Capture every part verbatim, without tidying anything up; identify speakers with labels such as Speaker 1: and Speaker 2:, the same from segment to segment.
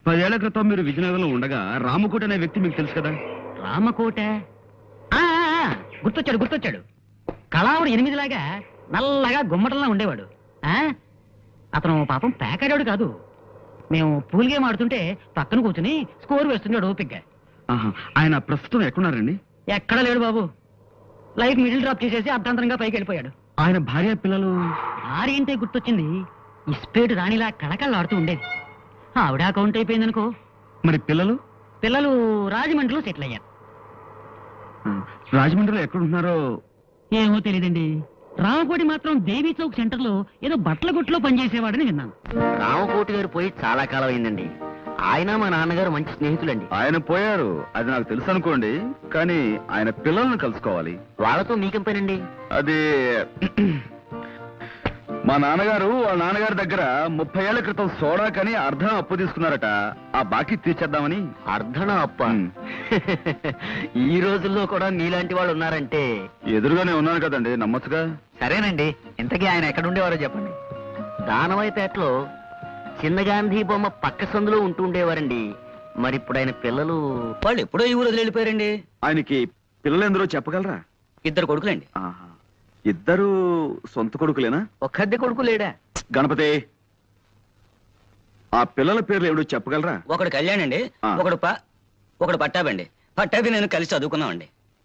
Speaker 1: పదేళ్ల క్రితం మీరు విజయనగరంలో ఉండగా రామకోట అనే వ్యక్తి మీకు తెలుసు కదా?
Speaker 2: రామకోట గుర్తొచ్చాడు గుర్తొచ్చాడు కళావుడు ఎనిమిదిలాగా నల్లగా గుమ్మటంలా ఉండేవాడు. ఆ అతను పాపం పేకాడాడు కాదు. మేము పూల్ గేమ్ ఆడుతుంటే పక్కన కూర్చుని స్కోర్ వేస్తున్నాడు ఓపిగ్గా.
Speaker 1: ఆయన ప్రస్తుతం ఎక్కడున్నారండి?
Speaker 2: ఎక్కడ లేడు బాబు. లైఫ్ మిడిల్ డ్రాప్ చేసేసి అర్ధాంతరంగా పైకి వెళ్ళిపోయాడు.
Speaker 1: ఆయన భార్య పిల్లలు?
Speaker 2: భార్య అంటే గుర్తొచ్చింది. ఇస్పేటు రాణిలా కళకళలాడుతూ ఉండేది. ఆవిడ అకౌంట్ అయిపోయిందనుకో.
Speaker 1: మరి పిల్లలు?
Speaker 2: పిల్లలు రాజమండ్రిలో సెటిల్ అయ్యారు.
Speaker 1: రాజమండ్రిలో ఎక్కడున్నారో
Speaker 2: ఏమో తెలియదండి. రామకోటి మాత్రం దేవీ చౌక్ సెంటర్ లో ఏదో బట్టల గుట్లో పనిచేసేవాడని విన్నాను.
Speaker 3: రామకోటి గారు పోయి చాలా కాలం అయిందండి. ఆయన మా నాన్నగారు మంచి స్నేహితులండి.
Speaker 1: ఆయన పోయారు అది నాకు తెలుసు అనుకోండి, కానీ ఆయన పిల్లల్ని కలుసుకోవాలి.
Speaker 3: వాళ్ళతో మీకేం పనండి?
Speaker 1: అది మా నాన్నగారు వాళ్ళ నాన్నగారి దగ్గర ముప్పై ఏళ్ల క్రితం సోడా కని అర్ధం అప్పు తీసుకున్నారట. ఆ బాకీ తీర్చేద్దామని.
Speaker 3: అర్ధన అప్ప? ఈ రోజుల్లో కూడా మీలాంటి వాళ్ళు ఉన్నారంటే.
Speaker 1: ఎదురుగానే ఉన్నాను కదండి, నమ్మచ్చుగా.
Speaker 3: సరేనండి, ఇంతకీ ఆయన ఎక్కడుండేవారో చెప్పండి. దానవైపేటలో చిన్న గాంధీ బొమ్మ పక్క సందులో ఉంటూ ఉండేవారండి. మరి ఇప్పుడు ఆయన పిల్లలు?
Speaker 2: వాళ్ళు ఎప్పుడో ఈ ఊరు వెళ్ళిపోయారండి.
Speaker 1: ఆయనకి పిల్లలు ఎందరో చెప్పగలరా?
Speaker 2: ఇద్దరు కొడుకులండి.
Speaker 1: ఇద్దరు సొంత కొడుకులేనా?
Speaker 3: ఒక్కద్దె కొడుకు లేడా?
Speaker 1: గణపతి, ఆ పిల్లల పేర్లు ఏమిటో చెప్పగలరా?
Speaker 2: ఒకడు కళ్యాణ్ అండి, ఒకడు ఒకడు పట్టాబండి. పట్టాబి నేను కలిసి చదువుకున్నామండి.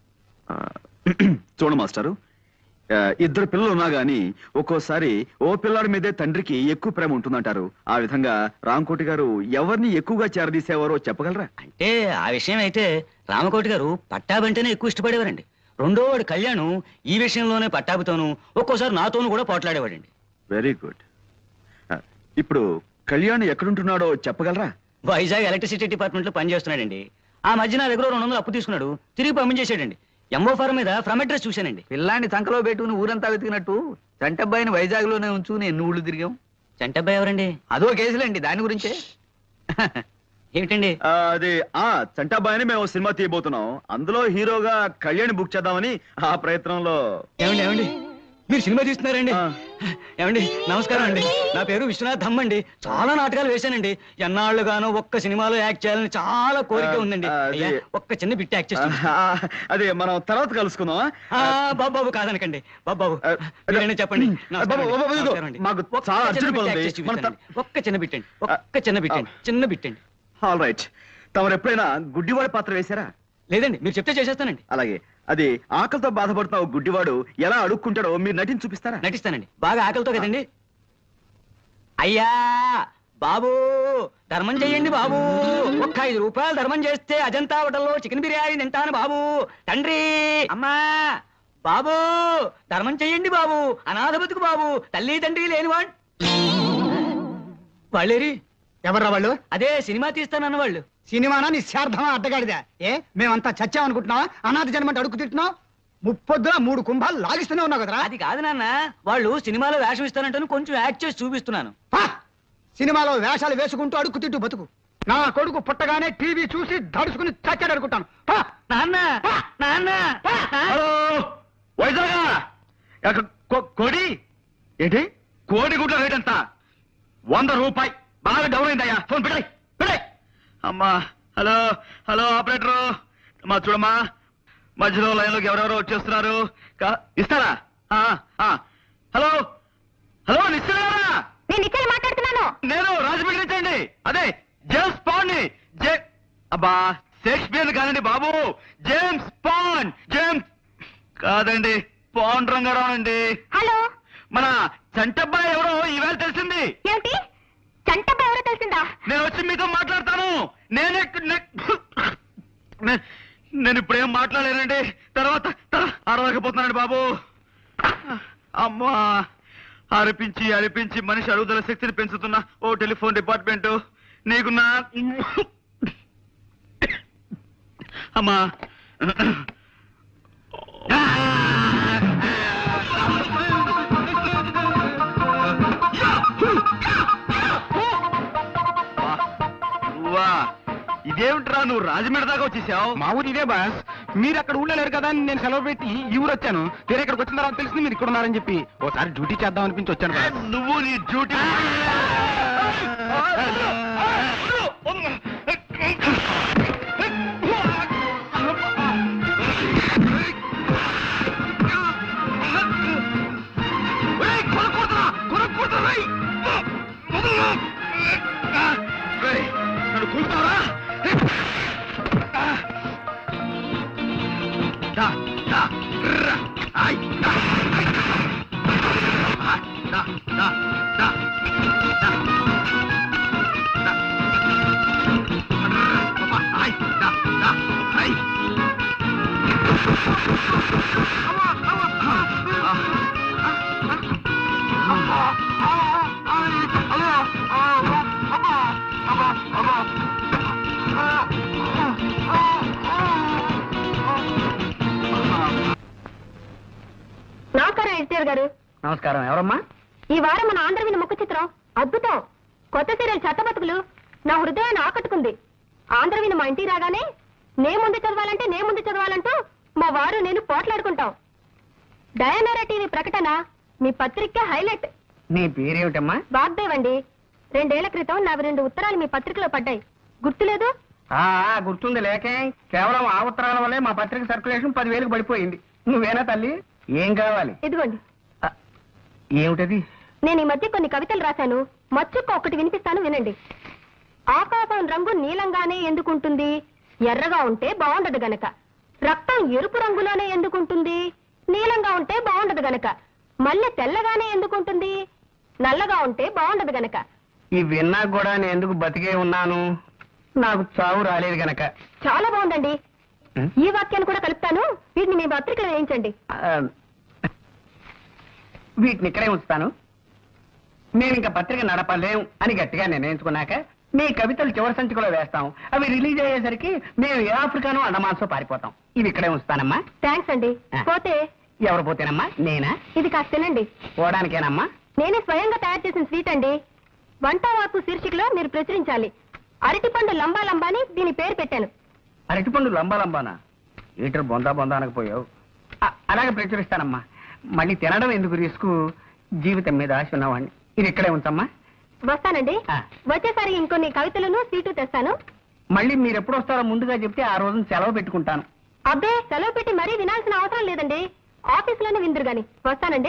Speaker 1: చూడు మాస్టారు, ఇద్దరు పిల్లలు ఉన్నా గాని ఒక్కోసారి ఓ పిల్లాడి మీదే తండ్రికి ఎక్కువ ప్రేమ ఉంటుందంటారు. ఆ విధంగా రామకోటి గారు ఎవరిని ఎక్కువగా చేరదీసేవారో చెప్పగలరా?
Speaker 2: అంటే ఆ విషయం అయితే రామకోటి గారు పట్టాబంటేనే ఎక్కువ ఇష్టపడేవారండి. రెండో వాడు కళ్యాణ్ ఈ విషయంలోనే పట్టాభితోనూ ఒక్కోసారి నాతోనూ కూడా పోట్లాడేవాడండి.
Speaker 1: Very good. ఇప్పుడు కళ్యాణ్ ఎక్కడుంటున్నాడో చెప్పగలరా?
Speaker 2: వైజాగ్ ఎలక్ట్రిసిటీ డిపార్ట్మెంట్ లో పనిచేస్తున్నాడండి. ఆ మధ్య నా దగ్గర రెండు వందలు అప్పు తీసుకున్నాడు, తిరిగి పంపించేశాడండి. ఎంఓ ఫారం మీద ఫ్రమ్ అడ్రస్ చూశానండి.
Speaker 3: పిల్లాన్ని సంకలో పెట్టుకుని ఊరంతా వెతికినట్టు చంటబ్బాయిని వైజాగ్ లోనే ఉంచుకుని ఎన్ని ఊళ్ళు తిరిగాం.
Speaker 2: చంటబ్బాయి ఎవరండి?
Speaker 3: అదో కేసులండి, దాని గురించే.
Speaker 2: ఏమిటండి
Speaker 1: అది? ఆ చంటాబాయిని మేము సినిమా తీయబోతున్నాం. అందులో హీరోగా కళ్యాణ్ బుక్ చేద్దామని ఆ ప్రయత్నంలో.
Speaker 2: ఏమండి ఏమండి మీరు సినిమా తీస్తున్నారండి? ఏమండి నమస్కారం అండి, నా పేరు విశ్వనాథ్ ధమ్ అండి. చాలా నాటకాలు వేశానండి. ఎన్నాళ్ళుగానో ఒక్క సినిమాలో యాక్ట్ చేయాలని చాలా కోరిక ఉందండి. ఒక్క చిన్న బిట్ యాక్ట్ చేస్తాను.
Speaker 1: అదే మనం తర్వాత కలుసుకుందాం.
Speaker 2: బాబాబు కాదనకండి. బాబాబు చెప్పండి. ఒక్క చిన్న బిట్టండి, ఒక్క చిన్న బిట్టండి, చిన్న బిట్టండి.
Speaker 1: All right. తమరు ఎప్పుడైనా గుడ్డివాడి పాత్ర వేశారా?
Speaker 2: లేదండి, మీరు చెప్తే చేసేస్తానండి.
Speaker 1: అలాగే. అది ఆకలితో బాధపడుతున్న గుడ్డివాడు ఎలా అడుక్కుంటాడో మీరు నటించి చూపిస్తారా?
Speaker 2: నటిస్తానండి. బాగా ఆకలితో కదండి. అయ్యా బాబు ధర్మం చెయ్యండి బాబు. ఒక్క ఐదు రూపాయలు ధర్మం చేస్తే అజంతా హోటల్లో చికెన్ బిర్యానీ తింటాను బాబు. తండ్రి అమ్మా బాబు ధర్మం చెయ్యండి బాబు. అనాథ బతుకు బాబు, తల్లి తండ్రి లేనివాడు. వాళ్ళేరి?
Speaker 3: ఎవర్రా వాళ్ళు?
Speaker 2: అదే సినిమా తీస్తానన్న వాళ్ళు.
Speaker 3: సినిమానా నిశ్చార్థమా అడ్డగాడిదా? ఏ మేమంతా చచ్చామనుకుంటున్నావా? అనాథ జన్మంటే అడుగు తింటున్నావు. ముప్పొద్దున మూడు కుంభాలు లాగిస్తూనే ఉన్నావు కదరా.
Speaker 2: అది కాదు నాన్న, వాళ్ళు సినిమాలో వేషం ఇస్తానంటాను, కొంచెం యాక్ట్ చేసి చూపిస్తున్నాను.
Speaker 3: సినిమాలో వేషాలు వేసుకుంటూ అడుగు తింటూ బతుకు. నా కొడుకు పుట్టగానే టీవీ చూసి దడుచుకుని చచ్చాడు అనుకుంటాను.
Speaker 2: నాన్న నాన్న
Speaker 1: కోడి ఏంటి? కోడి గుడ్ల రేట్ ఎంత? వంద రూపాయి. బాగా డౌన్ అయిందయ్యా. ఫోన్ పెట్టాయి పెట్టాయి. అమ్మా హలో హలో ఆపరేటరు, మా చూడమ్మా మధ్యలో లైన్లోకి ఎవరెవరో వచ్చేస్తున్నారు. ఇస్తారా? హలో హలో నిశ్చయరా?
Speaker 4: నేను మాట్లాడుతున్నాను.
Speaker 1: నేను రాజమండ్రి నుంచి అండి. అదే జేమ్స్ పాండ్ ని. జే అబ్బా షేక్స్పియర్ కాదండి బాబు, జేమ్స్ పాండ్. జేమ్స్ కాదండి, పాండ్ రంగారావు అండి.
Speaker 4: హలో,
Speaker 1: మన చంటబ్బాయి ఎవరో ఈవేళ తెలిసింది.
Speaker 4: ఏమిటి? చంటబ్బాయి ఎవరో తెలిసిందా?
Speaker 1: నేను వచ్చి మీతో మాట్లాడతాను. నేనే నేను ఇప్పుడేం మాట్లాడలేనండి. తర్వాత అరవకపోతున్నానండి బాబు. అమ్మా అరిపించి అరిపించి మనిషి అరుగుదల శక్తిని పెంచుతున్నా ఓ టెలిఫోన్ డిపార్ట్మెంట్ నీకు నా అమ్మా. ఇదేమిట్రా నువ్వు రాజమండ్రి దాకా వచ్చేసావు?
Speaker 3: మా ఊరు ఇదే బాస్. మీరు అక్కడ ఊళ్ళో లేరు కదా అని నేను సెలవు పెట్టి ఈ ఊరు వచ్చాను. వేరే ఇక్కడికి వచ్చిన తర్వాత తెలిసింది మీరు ఇక్కడ ఉన్నారని చెప్పి ఓసారి డ్యూటీ చేద్దాం అనిపించి వచ్చాను.
Speaker 1: నువ్వు నీ డ్యూటీ చూస్తావరా? దా, దా, రా, ఆయ్, దా, ఆయ్, ఆ, దా, దా, దా, దా, దా. అబ్బా, ఆయ్, దా, దా, ఆయ్.
Speaker 4: నమస్కారం ఎన్టీఆర్ గారు.
Speaker 2: నమస్కారం. ఎవరమ్మా?
Speaker 4: ఈ వారం మన ఆంధ్రవిని ముఖ చిత్రం అద్భుతం. కొత్త సీరియల్ చెత్తబతుకులు నా హృదయాన్ని ఆకట్టుకుంది. ఆంధ్రవిని మా ఇంటికి రాగానే నే ముందు చదవాలంటే నే ముందు చదవాలంటూ మా వారు నేను పోట్లాడుకుంటాం. డయానారా టీవీ ప్రకటన మీ పత్రిక హైలైట్.
Speaker 2: నీ పేరేమిటమ్మా?
Speaker 4: వాగ్దేవ్ అండి. రెండేళ్ల క్రితం నావి రెండు ఉత్తరాలు మీ పత్రికలో పడ్డాయి, గుర్తులేదు?
Speaker 2: ఆ గుర్తుంది లేకే. కేవలం ఆ ఉత్తరాల వల్లే మా పత్రిక సర్క్యులేషన్ పదివేలకు పడిపోయింది. నువ్వేనా తల్లి? ఏం కావాలి?
Speaker 4: ఇదిగోండి.
Speaker 2: ఆ, ఏమిటది?
Speaker 4: నేను ఈ మధ్య కొన్ని కవితలు రాశాను, మచ్చుక్క ఒకటి వినిపిస్తాను, వినండి. ఆకాశం రంగు నీలంగానే ఎందుకుంటుంది? ఎర్రగా ఉంటే బాగుండదు గనక. రక్తం ఎరుపు రంగులోనే ఎందుకుంటుంది? నీలంగా ఉంటే బాగుండదు గనక. మల్లె తెల్లగానే ఎందుకుంటుంది? నల్లగా ఉంటే బాగుండదు గనక.
Speaker 2: ఈ విన్నా కూడా నేను ఎందుకు బతికే ఉన్నాను? నాకు చావు రాలేదు గనక.
Speaker 4: చాలా బాగుందండి.
Speaker 2: ఉం?
Speaker 4: ఈ వాక్యాన్ని కూడా కలుపుతాను, వీటిని మీ పత్రికలో వేయించండి.
Speaker 2: ఆ, వీటిని ఇక్కడే ఉంచుతాను. నేను ఇంకా పత్రిక నడపలేం అని గట్టిగా నిర్ణయించుకున్నాక మీ కవితలు చివరి సంచికలో వేస్తాం. అవి రిలీజ్ అయ్యేసరికి మేము ఏ ఆఫ్రికానో అండమాన్సో పారిపోతాం. ఇవి ఇక్కడే ఉంచుతానమ్మా.
Speaker 4: థ్యాంక్స్ అండి.
Speaker 2: ఆ.
Speaker 4: పోతే
Speaker 2: ఎవరు పోతేనమ్మా? నేనా?
Speaker 4: ఇది కాస్త తినండి.
Speaker 2: పోవడానికేనమ్మా?
Speaker 4: నేనే స్వయంగా తయారు చేసిన స్వీట్ అండి. వంట వార్పు శీర్షికలో మీరు ప్రచురించాలి. అరటిపండు లంబా లంబా అని దీని పేరు పెట్టాను.
Speaker 2: అరటిపండు లంబా లంబానా? లీటర్ బొందా బొందా అనకపోయావు. అ- అలాగే ప్రచురిస్తానమ్మా. మళ్ళీ తినడం ఎందుకు రిస్క్? జీవితం మీద ఆశ ఉన్నవాడిని. ఇది ఇక్కడే ఉంచమ్మా.
Speaker 4: వస్తానండి.
Speaker 2: ఆ.
Speaker 4: వచ్చేసారి ఇంకొన్ని కవితలను స్వీటు తెస్తాను.
Speaker 2: మళ్ళీ మీరు ఎప్పుడు వస్తారో ముందుగా చెప్తే ఆ రోజున సెలవు పెట్టుకుంటాను.
Speaker 4: అబ్బే, సెలవు పెట్టి మరీ వినాల్సిన అవసరం లేదండి. ఆఫీసులోనే విందురు గాని. వస్తానండి.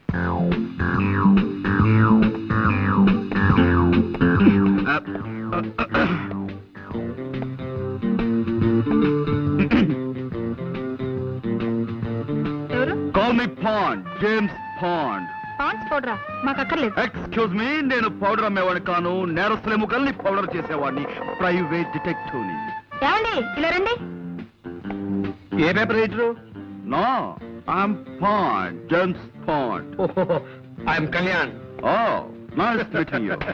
Speaker 4: ఎవరు?
Speaker 1: Call me Pond, James Pond.
Speaker 4: Ponds పౌడరా? మాకు అక్కర్లేదు.
Speaker 1: ఎక్స్క్యూజ్ మీ, నేను పౌడర్ అమ్మేవాడిని కాను, నేరస్తుల ముఖల్ని పౌడర్ చేసేవాడిని, ప్రైవేట్ డిటెక్టివ్ని.
Speaker 4: ఏమండి, ఇలా రండి.
Speaker 1: A paper writer? No, I'm Pond, James Pond.
Speaker 2: I'm Kalyan.
Speaker 1: Oh, nice meeting you.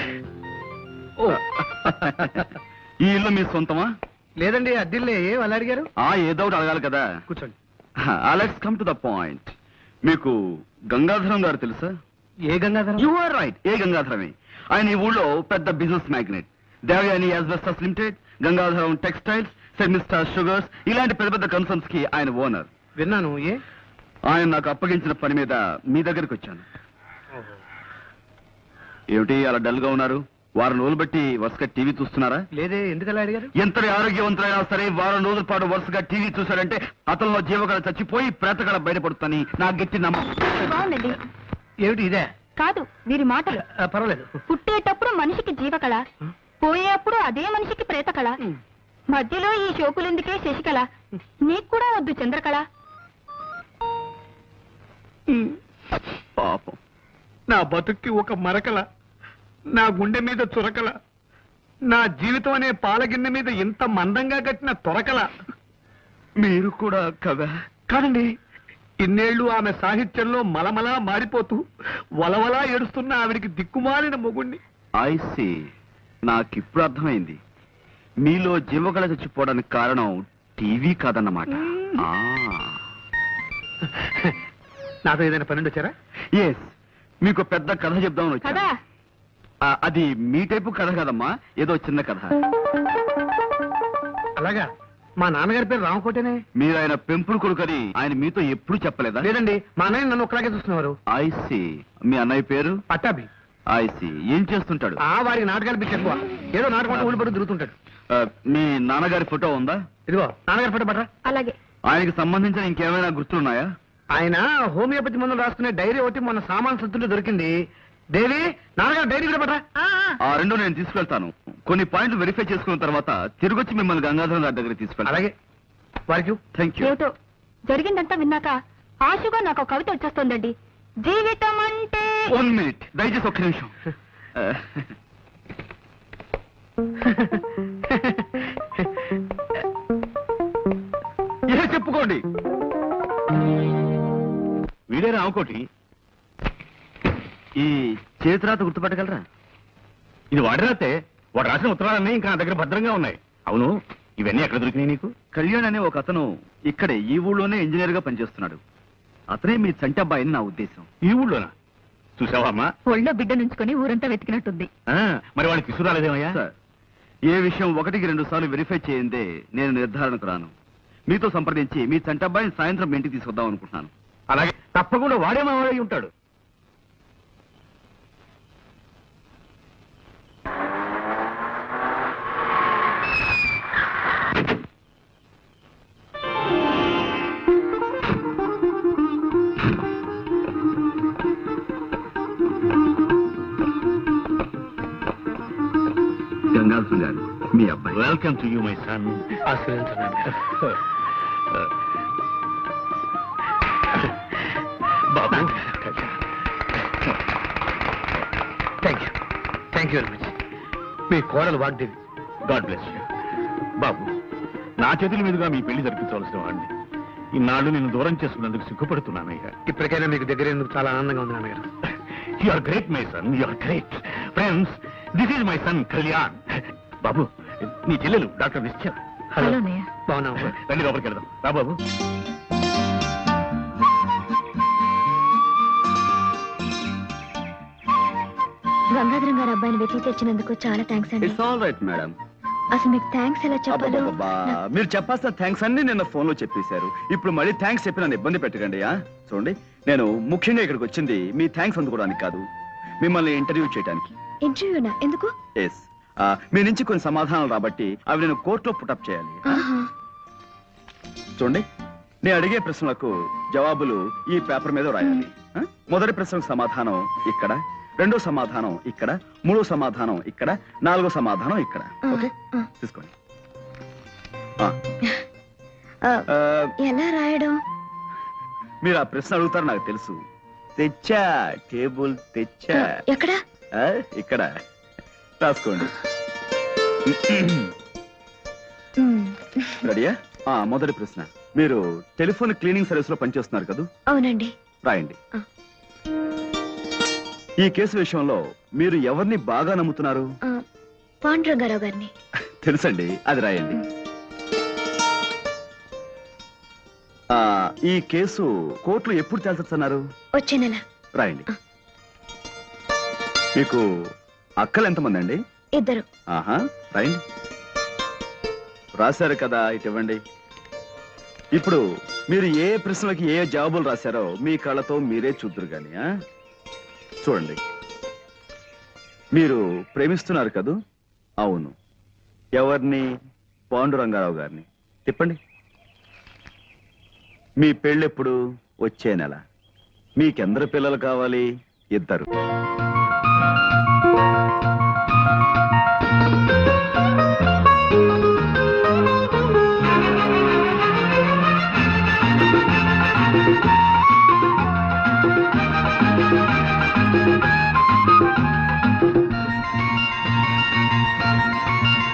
Speaker 1: ఈ ఇల్లు మీ సొంతమా?
Speaker 2: లేదండి, అద్దిల్లే. వాళ్ళు అడిగారు.
Speaker 1: ఆ ఏదో ఒకటి అడగాలి కదా.
Speaker 2: కూర్చోండి.
Speaker 1: Let's come to the point. మీకు గంగాధరం గారు తెలుసా?
Speaker 2: ఏ గంగాధరం?
Speaker 1: యు ఆర్ రైట్, ఏ గంగాధరమే. ఆయన ఈ ఊళ్ళో పెద్ద business magnet. Devayani asbestos limited, Gangadharam textiles, సెమిస్టార్ షుగర్స్, ఇలాంటి పెద్ద పెద్ద కన్సర్న్స్ కి ఆయన ఓనర్.
Speaker 2: విన్నాను. ఏ?
Speaker 1: ఆయన నాకు అప్పగించిన పని మీద మీ దగ్గరికి వచ్చాను. ఏమిటి అలా డల్ గా ఉన్నారు? వారం రోజులు బట్టి వరుసగా టీవీ చూస్తున్నారా?
Speaker 2: లేదే, ఎందుకలా అడిగారు?
Speaker 1: ఎంతటి ఆరోగ్యవంతులైనా సరే వారం రోజుల పాటు వరుసగా టీవీ చూశారంటే అతనిలో జీవకళ చచ్చిపోయి ప్రేతకళ బయటపడుతుందని నా గట్టి నమ్మకం.
Speaker 4: బాగుందండి.
Speaker 2: ఏమిటి ఇదే?
Speaker 4: కాదు, వీరి మాటలు.
Speaker 2: ఆ, పర్వాలేదు.
Speaker 4: పుట్టేటప్పుడు మనిషికి జీవకళ, పోయేప్పుడు అదే మనిషికి ప్రేతకళ, మధ్యలో ఈ షోకులెందుకే శశికళ, నీకు కూడా వద్దు చంద్రకళ.
Speaker 1: పాపం.
Speaker 5: నా బతుక్కి ఒక మరకల, నా గుండె మీద చురకల, నా జీవితం అనే పాలగిన్నె మీద ఇంత మందంగా కట్టిన తొరకల.
Speaker 1: మీరు కూడా కదా?
Speaker 5: కాదండి, ఇన్నేళ్లు ఆమె సాహిత్యంలో మలమలా మారిపోతూ వలవలా ఏడుస్తున్న ఆవిడికి దిక్కుమాలిన మొగుణ్ణి.
Speaker 1: ఐ సీ, నాకిప్పుడు అర్థమైంది. మీలో జీవకళ చచ్చిపోవడానికి కారణం టీవీ కాదన్నమాట.
Speaker 5: నాతో ఏదైనా పన్నెండు వచ్చారా?
Speaker 1: ఎస్, మీకు పెద్ద కథ చెప్దామని
Speaker 4: కదా
Speaker 1: వచ్చాను. ఆ, అది మీ టైపు కథ కదమ్మా, ఏదో చిన్న కథ.
Speaker 5: అలాగా? మా నాన్నగారి పేరు రామకోటేనే.
Speaker 1: మీరు ఆయన పెంపుడు కొడుకని ఆయన మీతో ఎప్పుడు చెప్పలేదా?
Speaker 5: లేదండి, మా అన్నయ్య నన్ను ఒకలాగే చూస్తున్నారు.
Speaker 1: I see. మీ అన్నయ్య పేరు?
Speaker 5: పట్టాభి.
Speaker 1: I see. ఏం చేస్తుంటాడు?
Speaker 5: ఆ వారికి నాటకాలు పిచ్చి ఎక్కువ. ఏదో నాటకం ఊళ్ళు పడి తిరుగుతుంటాడు.
Speaker 1: ఆ, మీ నాన్నగారి ఫోటో ఉందా?
Speaker 5: ఇదిగో నాన్నగారి ఫోటో పట్రా.
Speaker 4: అలాగే.
Speaker 1: ఆయనకి సంబంధించిన ఇంకేమైనా గుర్తులున్నాయా?
Speaker 5: ఆయన హోమియోపతి మందులు రాసుకునే డైరీ ఒకటి మొన్న సామాన్ సత్తుంటే దొరికింది. దేవి నాన్నగారు డైరీ కూడా పట్రా.
Speaker 1: ఆ రెండు నేను తీసుకెళ్తాను. కొన్ని పాయింట్లు వెరిఫై చేసుకున్న తర్వాత తిరిగొచ్చి మిమ్మల్ని గంగాధరం గారి దగ్గర తీసుకెళ్తాను.
Speaker 5: అలాగే వారికి
Speaker 1: థ్యాంక్ యూ.
Speaker 4: ఏమిటో జరిగిందంతా విన్నాక ఆశగా నాకు ఒక కవిత వచ్చేస్తుందండి. జీవితం అంటే
Speaker 1: వన్ మినిట్ దయచేసి ఒక్క నిమిషం. ఏ చెప్పుకోండి. వీడే రామకోటి. ఈ చేతిరాత గుర్తుపట్టగలరా?
Speaker 5: ఇది వాడి రాతే. వాడు రాసిన ఉత్తరాలన్నీ ఇంకా నా దగ్గర భద్రంగా ఉన్నాయి. అవును, ఇవన్నీ ఎక్కడ దొరికినాయి నీకు?
Speaker 1: కళ్యాణ్ అనే ఒక అతను ఇక్కడే ఈ ఊళ్ళోనే ఇంజనీర్ గా పనిచేస్తున్నాడు. అతనే మీ చంటి అబ్బాయి అని నా ఉద్దేశం.
Speaker 5: ఈ ఊళ్ళోనా? చూసావా అమ్మా?
Speaker 4: ఒళ్ళో బిడ్డ నుంచుకొని ఊరంతా వెతికినట్టుంది.
Speaker 5: ఆ, మరి వాడిని తీసుకురాలేదేమయ్యా?
Speaker 1: సార్, ఏ విషయం ఒకటికి రెండు సార్లు వెరిఫై చేయందే నేను నిర్ధారణకు రాను. మీతో సంప్రదించి మీ చంటి అబ్బాయిని సాయంత్రం మీ ఇంటికి తీసుకొద్దాం అనుకుంటున్నాను.
Speaker 5: అలాగే, తప్పకుండా వాడే మా వాడై ఉంటాడు.
Speaker 1: గంగాధరం గారు, మీ అబ్బాయి.
Speaker 5: Welcome to you my son. బాబు, thank you thank you very much. మీ కోడలు వాగ్దేవి. God bless you. బాబు, నా చేతుల మీదుగా మీ పెళ్లి జరిపించవలసిన వాడిని. ఇన్నాళ్ళు నేను దూరం చేసుకున్నందుకు సిగ్గుపడుతున్నానయ్యా. ఇప్పటికైనా మీకు దగ్గర ఎందుకు చాలా ఆనందంగా ఉంది నాన్నగారు. You are great my son, you are great. Friends, this is my son Kalyan. బాబు, నీ చెల్లెలు డాక్టర్ నిశ్చల.
Speaker 4: హలో అన్నయ్య.
Speaker 5: బాగున్నావు? రండి లోపలికి వెళ్దాం. రా బాబు.
Speaker 4: గంగాధరం గారు అబ్బాయిని వెతికి తెచ్చినందుకు చాలా థ్యాంక్స్ అండి.
Speaker 1: It's all right madam.
Speaker 4: అసలు మీకు థ్యాంక్స్ ఎలా చెప్పాలో
Speaker 1: అబ్బబ్బబ్బా, మీరు చెప్పాల్సిన థ్యాంక్స్ అన్ని నిన్న ఫోన్ లో చెప్పేశారు. ఇప్పుడు మళ్ళీ థ్యాంక్స్ చెప్పి నన్ను ఇబ్బంది పెట్టకండి. ఆ? చూడండి, నేను ముఖ్యంగా ఇక్కడికి వచ్చింది మీ థ్యాంక్స్ అందుకోవడానికి కాదు, మిమ్మల్ని ఇంటర్వ్యూ చేయడానికి.
Speaker 4: ఇంటర్వ్యూనా? ఎందుకు?
Speaker 1: ఎస్, మీ నుంచి కొన్ని సమాధానాలు రాబట్టి అవి నేను కోర్టులో పుటప్ చేయాలి.
Speaker 4: ఆహా.
Speaker 1: చూడండి, నేను అడిగే ప్రశ్నలకు జవాబులు ఈ పేపర్ మీద రాయాలి. ఆ? మొదటి ప్రశ్నకు సమాధానం ఇక్కడ, రెండో సమాధానం ఇక్కడ, మూడో సమాధానం ఇక్కడ, నాలుగో సమాధానం ఇక్కడ. ఓకే,
Speaker 4: ఆ.
Speaker 1: తీసుకోండి.
Speaker 4: ఆ,
Speaker 1: ఆ,
Speaker 4: ఎలా రాయడం?
Speaker 1: మీరు ఆ ప్రశ్న అడుగుతారు నాకు తెలుసు. తెచ్చా, టేబుల్ తెచ్చా.
Speaker 4: ఎక్కడ?
Speaker 1: ఆ, ఇక్కడ రాసుకోండి.
Speaker 4: మ్,
Speaker 1: రెడీయా? ఆ, మొదటి ప్రశ్న, మీరు టెలిఫోన్ క్లీనింగ్ సర్వీస్ లో పనిచేస్తున్నారు కదా?
Speaker 4: అవునండి.
Speaker 1: రాయండి.
Speaker 4: ఆ.
Speaker 1: ఈ కేసు విషయంలో మీరు ఎవరిని బాగా నమ్ముతున్నారు?
Speaker 4: ఆ, పాండురంగారావు గారిని.
Speaker 1: తెలుసండి, అది రాయండి. ఆ, ఈ కేసు కోర్టులో ఎప్పుడు తేల్చొచ్చన్నారు?
Speaker 4: వచ్చే నెల.
Speaker 1: రాయండి. మీకు అక్కలు ఎంతమంది అండి?
Speaker 4: ఇద్దరు.
Speaker 1: ఆహా, రాయండి. రాశారు కదా, ఇటు ఇవ్వండి. ఇప్పుడు మీరు ఏ ప్రశ్నలకి ఏ జవాబులు రాశారో మీ కళ్ళతో మీరే చూద్దరు గాని. ఆ? చూడండి, మీరు ప్రేమిస్తున్నారు కదూ? అవును. ఎవరిని? పాండురంగారావు గారిని. తిప్పండి. మీ పెళ్ళెప్పుడు? వచ్చే నెల. మీకెందరు పిల్లలు కావాలి? ఇద్దరు.